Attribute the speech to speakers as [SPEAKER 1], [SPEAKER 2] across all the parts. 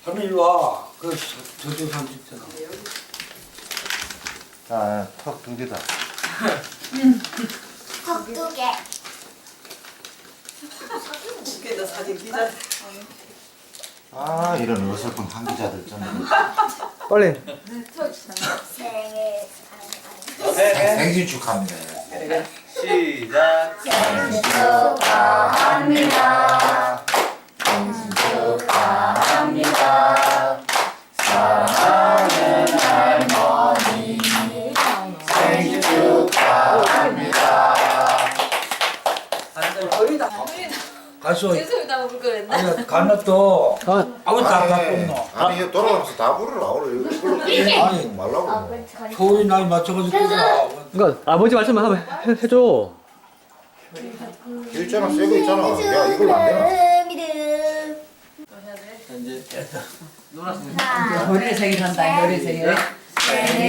[SPEAKER 1] 할머니 이리 와. 저쪽 사람 있잖아.
[SPEAKER 2] 아, 턱 2개다.
[SPEAKER 3] 턱 2개.
[SPEAKER 4] 웃긴다 사진 기자.
[SPEAKER 2] 아, 이런 어설픈 한기자들 좀.
[SPEAKER 5] 빨리.
[SPEAKER 2] 생신 축하합니다.
[SPEAKER 6] 시작.
[SPEAKER 3] 생신 축하합니다. 생신 축하합니다. 사랑하는 할머니 생신 축하합니다.
[SPEAKER 4] 어리다.
[SPEAKER 1] 가수.
[SPEAKER 7] 죄송합니다 먹을 거랬나?
[SPEAKER 1] 아니 간났어. 아무도 안 갖고 있노.
[SPEAKER 2] 아니, 이거 돌아가면서 다 부르라. 오늘 이걸로
[SPEAKER 1] 아니,
[SPEAKER 2] 말라고.
[SPEAKER 1] 소위 나이 맞춰가지고 끄라.
[SPEAKER 5] 그러니까 아버지 말씀만 한번 해줘.
[SPEAKER 2] 있잖아, 새거 있잖아. 야, 이걸로 안 되나?
[SPEAKER 1] 이제 됐다.
[SPEAKER 4] 노래 생일한다. 노래 생일.
[SPEAKER 3] 생일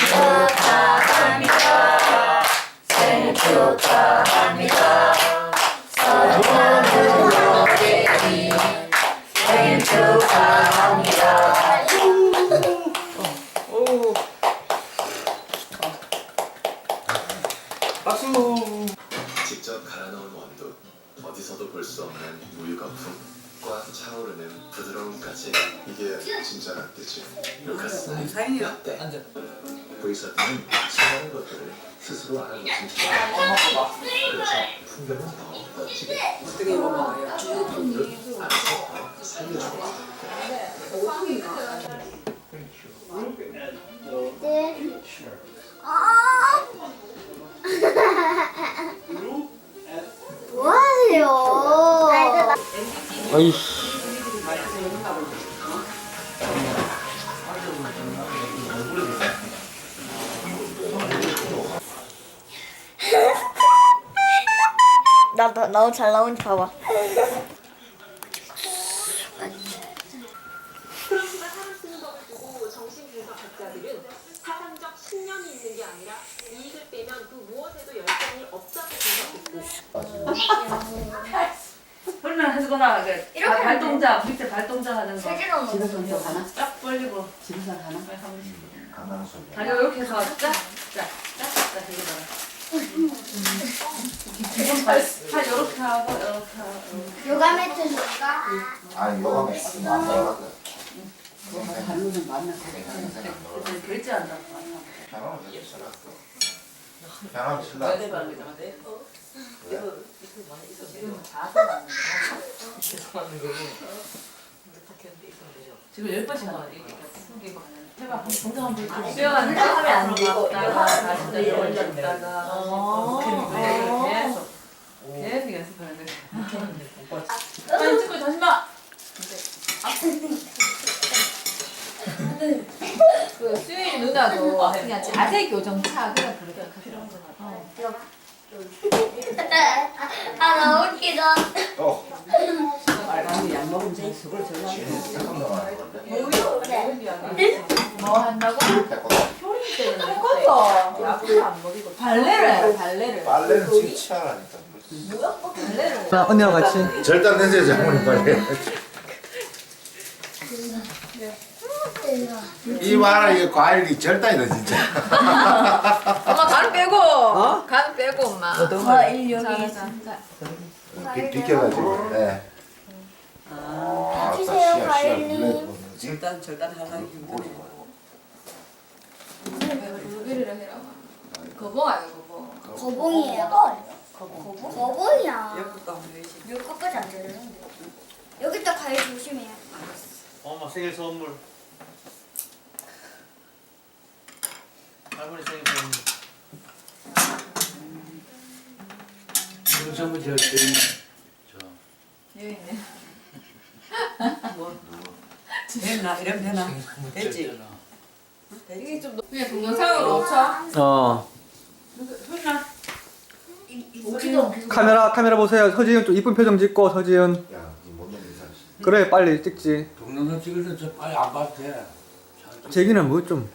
[SPEAKER 3] 축하합니다. 생일 축하합니다. 사랑하는 로게리 생일 축하합니다.
[SPEAKER 1] 박수.
[SPEAKER 8] 직접 갈아 넣은 원두, 어디서도 볼 수 없는 우유 거품과 차오르는 부드러움까지 이게 진짜 라떼지. 루카스
[SPEAKER 4] 사인이야.
[SPEAKER 8] 라떼.
[SPEAKER 1] 앉아.
[SPEAKER 8] 브이서트는 수많은 것들을 스스로 알아보신 분. 그래서 풍경은 더 멋지게
[SPEAKER 4] 어떻게 이거 먹어요?
[SPEAKER 8] 알아서 더 살려주고
[SPEAKER 3] 뭐 하세요?
[SPEAKER 5] 아이씨.
[SPEAKER 3] 나 너무 잘 나오는지 봐봐.
[SPEAKER 9] 프랑스가 사람 쓰는 법을 보고 정신분석 학자들은 사상적 신념이 있는 게 아니라 이익을 빼면 그 무엇에도 열정이 없다고 분석했고
[SPEAKER 7] 얼마나 하시거나
[SPEAKER 3] 이렇게 하면
[SPEAKER 7] 발동작 밑에 발동작 하는 거.
[SPEAKER 3] 세진아
[SPEAKER 4] 집에서 혼자 가나?
[SPEAKER 7] 쫙 벌리고
[SPEAKER 4] 집에서 가나?
[SPEAKER 2] 가난한 소리.
[SPEAKER 7] 다리 이렇게 해서 쫙쫙쫙쫙 해봐. 지금 팔 이렇게 하고 이렇게 하고.
[SPEAKER 3] 요가 매트 줄까?
[SPEAKER 2] 아니, 요가 매트 안 나가거든.
[SPEAKER 4] 발로는 만나.
[SPEAKER 7] 그래서 결제한다고.
[SPEAKER 2] 편하면 되게 쓰라. 편하면 쓰라.
[SPEAKER 7] 지금 10번씩 하는 거지. 해봐. 동작 한번 해봐. 수영하는 거 하면 안 되고 다시 올렸다가 계속 계속 연습하는 거지. 사진 찍고 다시 봐. 그 수윤이 누나도 그냥 자세 교정차 그냥 그렇게 필요한 거 같아.
[SPEAKER 3] 아 너무 웃기다.
[SPEAKER 2] 또.
[SPEAKER 4] 빨간이 약 먹으면 제 속을 절로
[SPEAKER 2] 잠깐 넘어가야
[SPEAKER 7] 뭐 한다고? 효린 때는 약을 안 먹이고 발레를 해 발레를.
[SPEAKER 2] 빨래는 지금 치아라니까.
[SPEAKER 7] 발레를.
[SPEAKER 5] 나 언니랑 같이.
[SPEAKER 2] 절단 내세요, 장모님 빨리. 이 말은 이 과일이 절단이다 진짜.
[SPEAKER 7] 엄마 간 빼고. 간 빼고 엄마.
[SPEAKER 2] 비켜가지고. 네. 아,
[SPEAKER 3] 주세요, 과일님.
[SPEAKER 4] 절단 하나 힘드네.
[SPEAKER 7] 루비를 해라. 거봉아요 거봉.
[SPEAKER 3] 거봉이에요. 거봉이야.
[SPEAKER 4] 옆국도 안 보이지.
[SPEAKER 3] 몇 것까지 안 되는데. 여기 또 과일 조심해요.
[SPEAKER 6] 엄마 생일 선물. 할머니 생일 선물.
[SPEAKER 1] 윤성무 저 때리네.
[SPEAKER 7] 여기 있네.
[SPEAKER 4] 됐나? 이러면 되나? 됐지?
[SPEAKER 7] 이게 좀 그냥 동영상으로 쳐.
[SPEAKER 5] 어.
[SPEAKER 7] 훈나.
[SPEAKER 5] 카메라 보세요. 서지은 좀 이쁜 표정 짓고 서지은.
[SPEAKER 2] 야, 이못 넘는 인사.
[SPEAKER 5] 그래 빨리 찍지.
[SPEAKER 1] 동영상 찍을 때 저 빨리 안 봐도 돼.
[SPEAKER 5] 제기는 뭐 좀.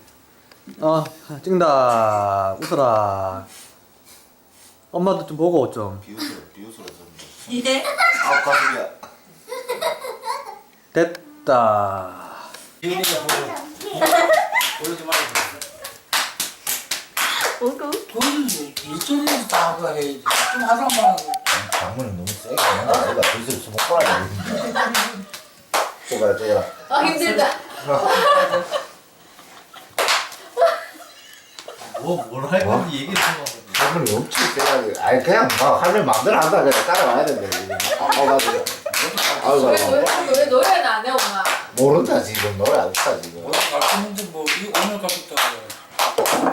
[SPEAKER 5] 찍는다. 웃어라. 엄마도 좀 보고 좀.
[SPEAKER 2] 비웃으로 좀.
[SPEAKER 4] 이제
[SPEAKER 2] 아, 가슴이야.
[SPEAKER 5] 됐다.
[SPEAKER 1] 지은이가 보여지 말고. 그건 일전에 다 하고 해야지. 좀 하다만 하고.
[SPEAKER 2] 방문이 너무 세게 내가 벌써 수목 보라 쪼가라
[SPEAKER 7] 아 힘들다.
[SPEAKER 6] 뭘할 건지 얘기를 좀
[SPEAKER 2] 방문이 엄청 세게 아니 그냥 막 하면 마음대로 한다 그냥 따라와야 된다 가지고
[SPEAKER 7] 왜 노래는 안 해 엄마?
[SPEAKER 2] 모른다 지금 노래 안 했다 지금
[SPEAKER 1] 오늘 갔는데 뭐 오늘 갔다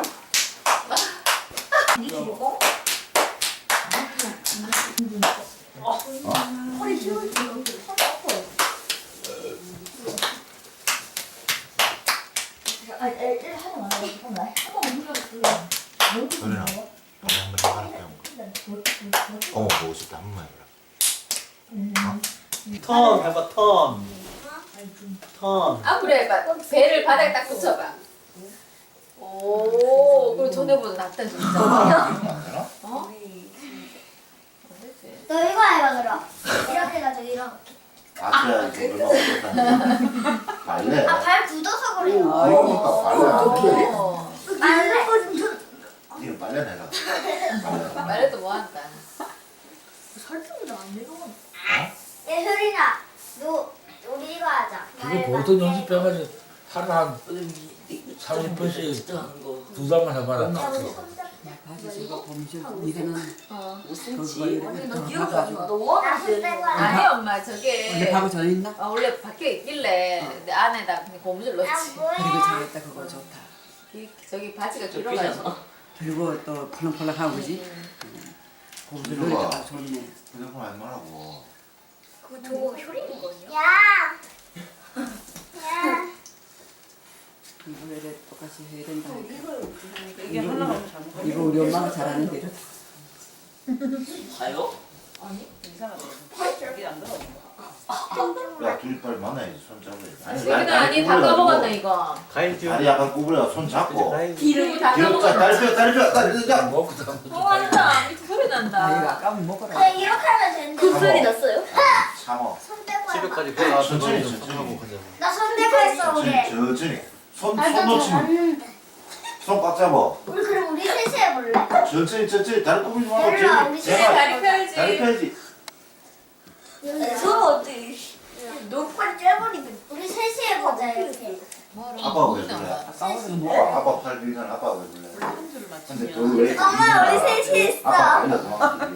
[SPEAKER 2] 소리나 빨리 한번 해봐라 그냥 어머 보고 싶다 한 번만 해봐라
[SPEAKER 6] 턴 해봐 턴.
[SPEAKER 7] 앞으로 해봐. 배를 바닥에 딱 붙여봐. 오, 그리고 전에보다 낫다 진짜. 어?
[SPEAKER 3] 너 이거 해봐 그럼. 이렇게 해가지고 이렇게.
[SPEAKER 2] 아껴야 얼마 못한다 발레
[SPEAKER 3] 발 굳어서 그래요.
[SPEAKER 2] 그러니까 발레 안 돼.
[SPEAKER 3] 말래?
[SPEAKER 2] 니는 발레 해라
[SPEAKER 7] 말해도 뭐한다.
[SPEAKER 3] 설득도 안 되고. 야 효린아, 너 우리 이거 하자.
[SPEAKER 1] 그거 보통 연습해가지고 하루 한 30분씩 두 달만 해봐라.
[SPEAKER 4] 바지 저거 범죄 이거는
[SPEAKER 7] 웃음지.
[SPEAKER 4] 이렇게
[SPEAKER 7] 너
[SPEAKER 4] 더
[SPEAKER 7] 기억이
[SPEAKER 4] 나가지고.
[SPEAKER 7] 안 나. 너 원하는
[SPEAKER 3] 나술 빼고 하자.
[SPEAKER 7] 아니 엄마 저게.
[SPEAKER 4] 원래 바고 전 있나?
[SPEAKER 7] 원래 밖에 있길래 내 안에다 그냥 고무줄 넣지.
[SPEAKER 4] 그리고 잘했다 그거 좋다.
[SPEAKER 7] 저기 바지가 길어가지고.
[SPEAKER 4] 그리고 또 펄렁펄렁하고 그지? 고무줄 넣으니까 좋네.
[SPEAKER 2] 휴대폰 하지 말라고
[SPEAKER 3] 그거 저거 효린이거든요. 야. 야.
[SPEAKER 4] 이거를 똑같이 해야 된다.
[SPEAKER 7] 이게 하나가 잘못.
[SPEAKER 4] 이거 우리 엄마가 잘하는 대로.
[SPEAKER 1] 가요?
[SPEAKER 7] 아니 이상하다. 여기 안 들어.
[SPEAKER 2] 야 둘이 빨리 만나야지 손 잡아야지
[SPEAKER 7] 여기는 아니 다 까먹었네 이거.
[SPEAKER 6] 가인 중.
[SPEAKER 2] 다리 약간 구부려 손 잡고
[SPEAKER 7] 기름이 다
[SPEAKER 2] 뒤로 짜
[SPEAKER 7] 까먹었네.
[SPEAKER 2] 다리 펴
[SPEAKER 1] 먹고 다음
[SPEAKER 7] 좋아한다. 밑에 소리
[SPEAKER 4] 아 이거
[SPEAKER 7] 난다.
[SPEAKER 4] 아까면 먹어라.
[SPEAKER 3] 그냥 이렇게 하면 되는데.
[SPEAKER 2] 그 소리
[SPEAKER 3] 났어요?
[SPEAKER 2] 참어
[SPEAKER 3] 손 떼고 해봐.
[SPEAKER 6] 집에까지
[SPEAKER 2] 천천히,
[SPEAKER 6] 가서
[SPEAKER 2] 천천히.
[SPEAKER 6] 하고 가자.
[SPEAKER 3] 나손 떼고 했어 우리.
[SPEAKER 2] 천천히 손
[SPEAKER 3] 나
[SPEAKER 2] 놓지 마.
[SPEAKER 3] 봤는데.
[SPEAKER 2] 손 꽉 잡아
[SPEAKER 3] 우리 그럼 우리 셋이 해볼래?
[SPEAKER 2] 천천히 다리 구부리지 말고
[SPEAKER 3] 별로 우리
[SPEAKER 7] 집에
[SPEAKER 3] 셋이
[SPEAKER 7] 다리 펴야지.
[SPEAKER 2] 다리 펴야지
[SPEAKER 3] 저 어디? 녹화 째버리면 우리 셋이 해보자 이렇게.
[SPEAKER 2] 아빠가 왜 그래
[SPEAKER 4] 아까워는 먹어.
[SPEAKER 2] 아빠 팔 빌면 아빠가 왜 그래 근데 그걸 왜
[SPEAKER 3] 엄마 우리 셋이 했어.
[SPEAKER 2] 아빠 발려 도망가지